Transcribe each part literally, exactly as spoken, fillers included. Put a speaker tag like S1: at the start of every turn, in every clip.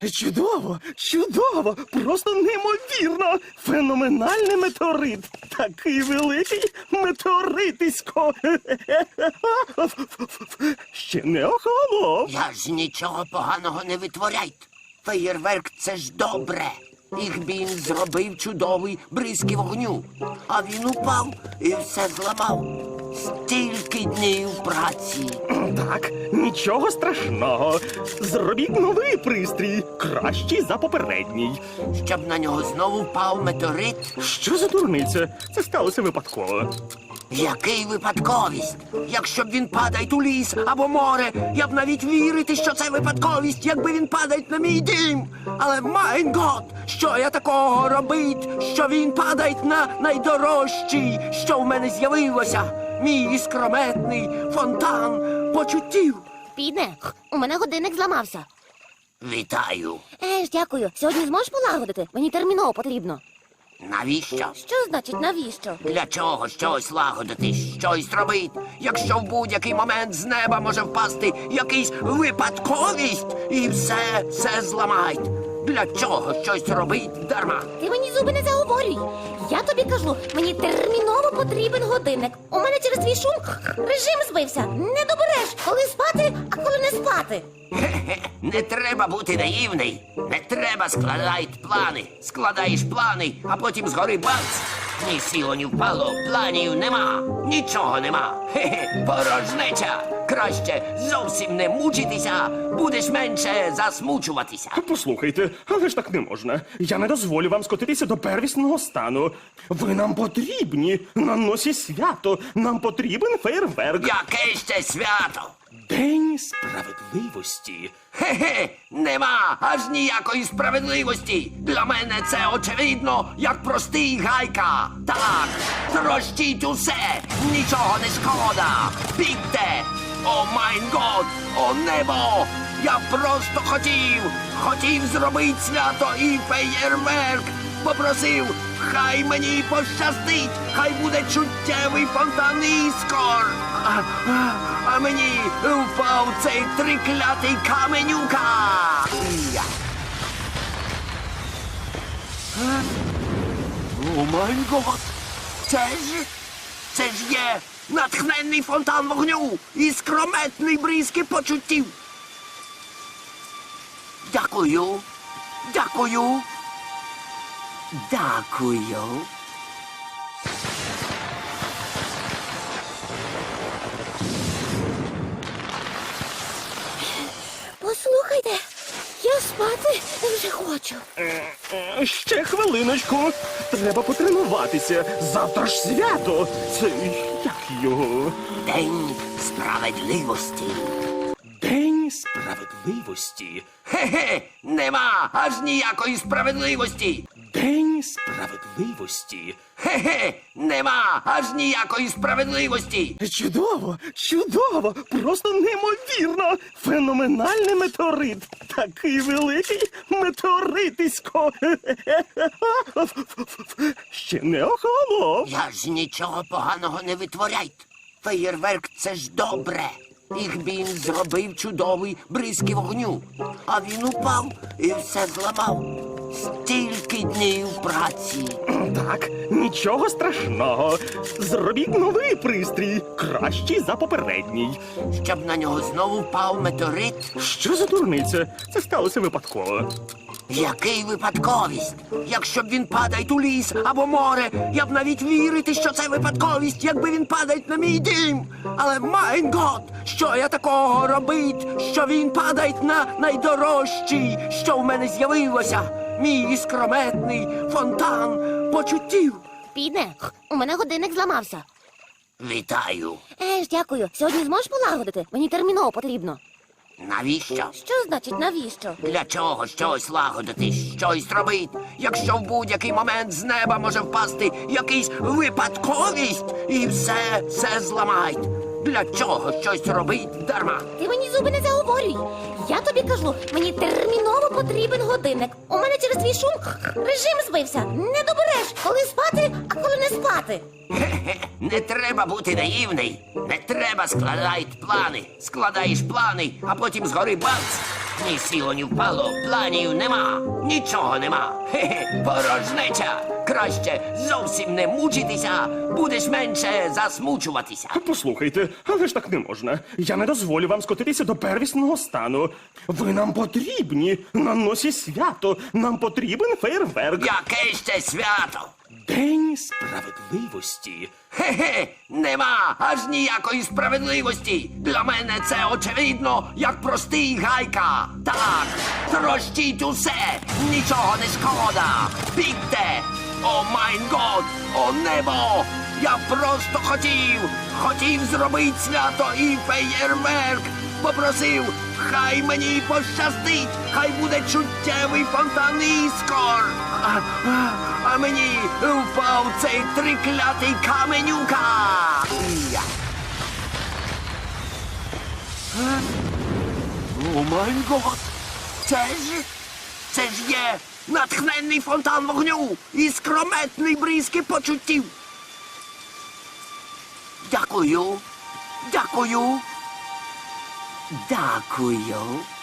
S1: Чудово, чудово, просто неймовірно. Феноменальний метеорит. Такий великий метеоритисько. Ще не охолонув.
S2: Я ж нічого поганого не витворяйте. Феєрверк – це ж добре. Ігбін зробив чудовий бризки вогню. А він упав і все зламав. Стільки днів праці.
S1: Так, нічого страшного. Зробіть новий пристрій, кращий за попередній.
S2: Щоб на нього знову впав метеорит?
S1: Що за дурниця? Це сталося випадково.
S2: Який випадковість? Якщо б він падає у ліс або море, я б навіть вірити, що це випадковість, якби він падає на мій дім. Але, майн гот, що я такого робить, що він падає на найдорожчий, що в мене з'явилося? Мій іскрометний фонтан почуттів.
S3: Піде, у мене годинник зламався.
S2: Вітаю.
S3: Еж, дякую. Сьогодні зможеш полагодити? Мені терміново потрібно.
S2: Навіщо?
S3: Що значить навіщо?
S2: Для чого щось лагодити, щось робити, якщо в будь-який момент з неба може впасти якийсь випадковість і все, все зламають? Для чого щось робить дарма?
S3: Ти мені зуби не заговорюй. Я тобі кажу, мені терміново потрібен годинник. У мене через твій шум режим збився. Не добереш, коли спати, а коли не спати.
S2: Хе-хе, не треба бути наївний. Не треба складати плани. Складаєш плани, а потім згори бац. Ні сіло, ні впало, планів нема. Нічого нема. Хе-хе, порожнеча. Краще зовсім не мучитися, будеш менше засмучуватися.
S1: Послухайте, але ж так не можна. Я не дозволю вам скотитися до первісного стану. Ви нам потрібні. На носі свято. Нам потрібен фейерверк.
S2: Яке ще свято?
S1: День справедливості.
S2: Хе-хе, нема аж ніякої справедливості. Для мене це очевидно, як простий гайка. Так, трощіть усе, нічого не шкода. Бігте! О майн год, о небо! Я просто хотів, хотів зробити свято і феєрверк. Попросив, хай мені пощастить, хай буде чуттєвий фонтан іскор. А, а, а мені впав цей триклятий каменюка. Я. Е? О май гот! Це ж, це ж є натхненний фонтан вогню і скрометний бризки почуттів. Дякую, дякую, дякую.
S3: Послухайте, я спати вже хочу.
S1: Е, Ще хвилиночку. Треба потренуватися. Завтра ж свято. Це як його?
S2: День справедливості.
S1: День справедливості.
S2: Хе-хе, нема аж ніякої справедливості.
S1: День справедливості.
S2: Хе-хе, нема аж ніякої справедливості.
S1: Чудово, чудово, просто неймовірно. Феноменальний метеорит. Такий великий метеоритисько. Ще не охолонув.
S2: Я ж нічого поганого не витворяйте. Феєрверк – це ж добре. Ігбін зробив чудовий бризки вогню. А він упав і все зламав. Стільки днів праці.
S1: Так, нічого страшного. Зробіть новий пристрій, кращий за попередній.
S2: Щоб на нього знову впав метеорит?
S1: Що за дурниця? Це сталося випадково.
S2: Який випадковість? Якщо б він падає у ліс або море, я б навіть вірити, що це випадковість, якби він падає на мій дім. Але, майн гот, що я такого робить, що він падає на найдорожчий, що в мене з'явилося? Мій іскрометний фонтан почуттів.
S3: Піде, у мене годинник зламався.
S2: Вітаю.
S3: Еж, дякую. Сьогодні зможеш полагодити? Мені терміново потрібно.
S2: Навіщо?
S3: Що значить навіщо?
S2: Для чого щось лагодити, щось робити, якщо в будь-який момент з неба може впасти якийсь випадковість і все, все зламають? Для чого щось робить дарма?
S3: Ти мені зуби не заговорюй. Я тобі кажу, мені терміново потрібен годинник. У мене через твій шум режим збився. Не добереш, коли спати, а коли не спати.
S2: Хе-хе, не треба бути наївний. Не треба складати плани. Складаєш плани, а потім згори бац. Ні сіло, ні впало, планів нема, нічого нема. Хе-хе, порожнеча. Краще зовсім не мучитися, будеш менше засмучуватися.
S1: Послухайте, але ж так не можна. Я не дозволю вам скотитися до первісного стану. Ви нам потрібні на носі свято. Нам потрібен фейерверк.
S2: Яке ще свято?
S1: День справедливості.
S2: Хе-хе, нема аж ніякої справедливості. Для мене це очевидно, як простий гайка. Так, трощіть усе, нічого не шкода. Бігте! О майн год, о небо! Я просто хотів, хотів зробити свято і феєрверк. Попросив, хай мені пощастить, хай буде чуттєвий фонтан іскор. А, а, а мені впав цей триклятий каменюка. Я. Е? О май гот! Це ж, це ж є натхненний фонтан вогню і скрометний бризки почуттів. Дякую, дякую. Дякую.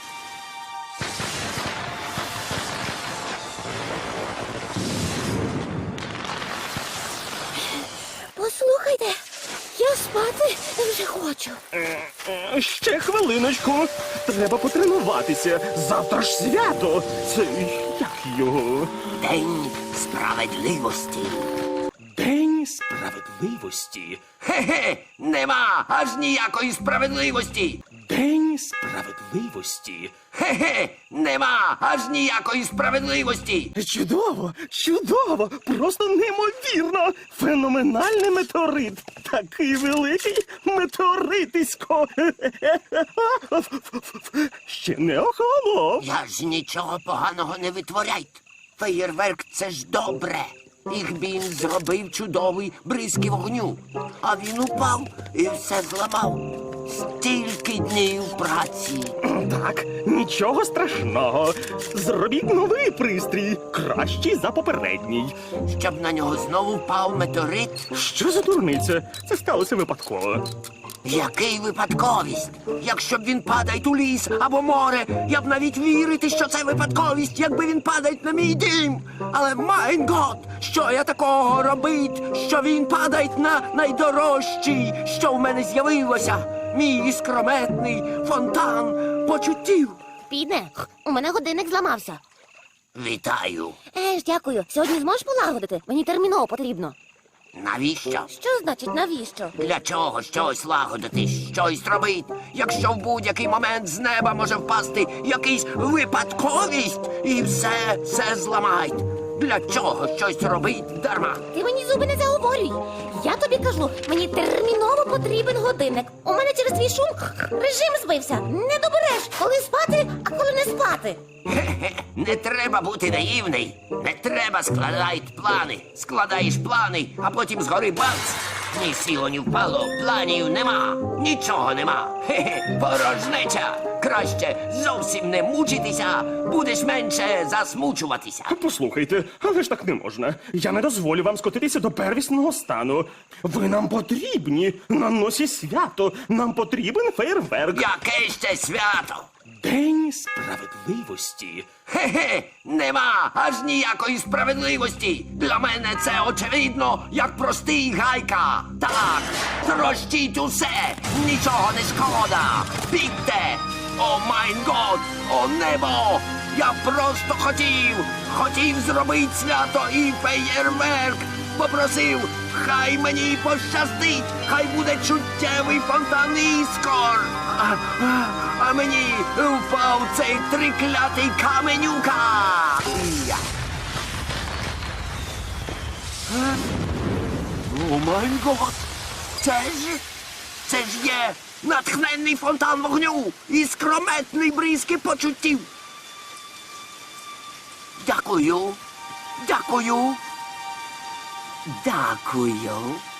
S3: Послухайте, я спати вже хочу.
S1: Е, Ще хвилиночку. Треба потренуватися. Завтра ж свято. Це як його?
S2: День справедливості.
S1: День справедливості.
S2: Хе-хе, нема аж ніякої справедливості.
S1: День справедливості.
S2: Хе-хе, нема аж ніякої справедливості.
S1: Чудово, чудово, просто неймовірно. Феноменальний метеорит. Такий великий метеоритисько. Ще не охолонув.
S2: Я ж нічого поганого не витворяйте. Феєрверк — це ж добре. Їх він зробив чудовий бризки вогню. А він упав і все зламав. Стільки днів праці.
S1: Так, нічого страшного. Зробіть новий пристрій, кращий за попередній.
S2: Щоб на нього знову впав метеорит.
S1: Що за дурниця? Це сталося випадково.
S2: Який випадковість? Якщо б він падає у ліс або море, я б навіть вірити, що це випадковість, якби він падає на мій дім. Але майн гот, що я такого робить, що він падає на найдорожчий, що в мене з'явилося? Мій іскрометний фонтан почуттів.
S3: Підне, у мене годинник зламався.
S2: Вітаю.
S3: Е ж, дякую. Сьогодні зможеш полагодити? Мені терміново потрібно.
S2: Навіщо?
S3: Що значить навіщо?
S2: Для чого щось лагодити, щось робить, якщо в будь-який момент з неба може впасти якийсь випадковість і все, все зламають? Для чого щось робить дарма?
S3: Ти мені зуби не заговорюй. Я тобі кажу, мені терміново потрібен годинник. У мене через твій шум режим збився. Не добереш, коли спати, а коли не спати.
S2: Хе-хе, не треба бути наївний. Не треба складати плани. Складаєш плани, а потім згори бац. Ні сіло, ні впало, планів нема, нічого нема. Хе-хе, порожнеча. Краще зовсім не мучитися, будеш менше засмучуватися.
S1: Послухайте, але ж так не можна. Я не дозволю вам скотитися до первісного стану. Ви нам потрібні на носі свято. Нам потрібен фейерверк.
S2: Яке ще свято?
S1: День справедливості.
S2: Хе-хе, нема аж ніякої справедливості. Для мене це очевидно, як простий гайка. Так, трощіть усе, нічого не шкода. Бігте! О майн год, о небо! Я просто хотів, хотів зробити свято і феєрверк. Попросив, хай мені пощастить, хай буде чуттєвий фонтан іскор. А, а, а мені впав цей триклятий каменюка. Я. Е? О май гот! Це ж, це ж є натхненний фонтан вогню і скрометний бризки почуттів. Дякую, дякую. Дякую.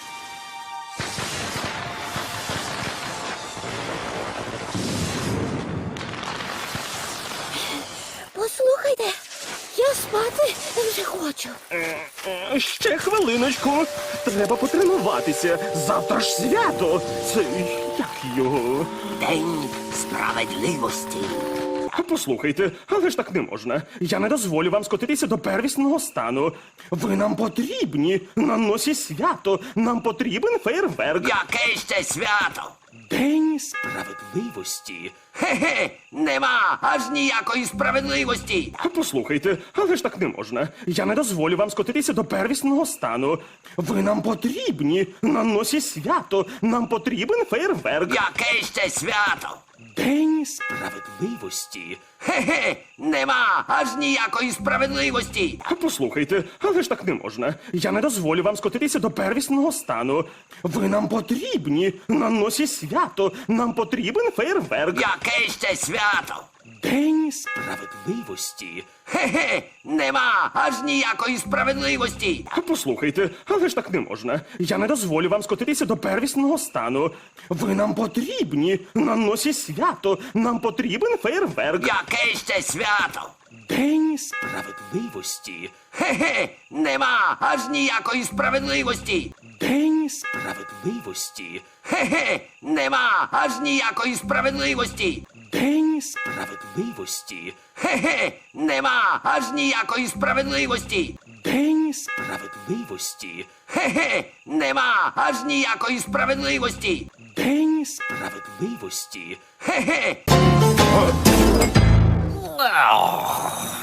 S3: Послухайте, я спати вже хочу.
S1: Е, Ще хвилиночку. Треба потренуватися. Завтра ж свято. Це як його?
S2: День справедливості.
S1: Послухайте, але ж так не можна. Я не дозволю вам скотитися до первісного стану. Ви нам потрібні на носі свято. Нам потрібен фейерверк.
S2: Яке ще свято?
S1: День справедливості.
S2: Хе-хе, нема аж ніякої справедливості.
S1: Послухайте, але ж так не можна. Я не дозволю вам скотитися до первісного стану. Ви нам потрібні на носі свято. Нам потрібен фейерверк.
S2: Яке ще свято?
S1: День справедливості.
S2: Хе-хе, нема аж ніякої справедливості.
S1: Послухайте, але ж так не можна. Я не дозволю вам скотитися до первісного стану. Ви нам потрібні на носі свято. Нам потрібен фейерверк.
S2: Яке ще свято?
S1: День справедливості.
S2: Хе-хе, нема аж ніякої справедливості.
S1: Послухайте, але ж так не можна. Я не дозволю вам скотитися до первісного стану. Ви нам потрібні на носі свято. Нам потрібен фейерверк.
S2: Яке ще свято?
S1: День справедливості.
S2: Хе-хе, нема аж ніякої справедливості.
S1: День справедливості.
S2: Хе-хе, нема аж ніякої справедливості.
S1: День справедливості.
S2: Хе-хе, нема аж ніякої справедливості.
S1: День справедливості.
S2: Хе-хе, нема аж ніякої справедливості.
S1: День справедливості.
S2: Хе-хе.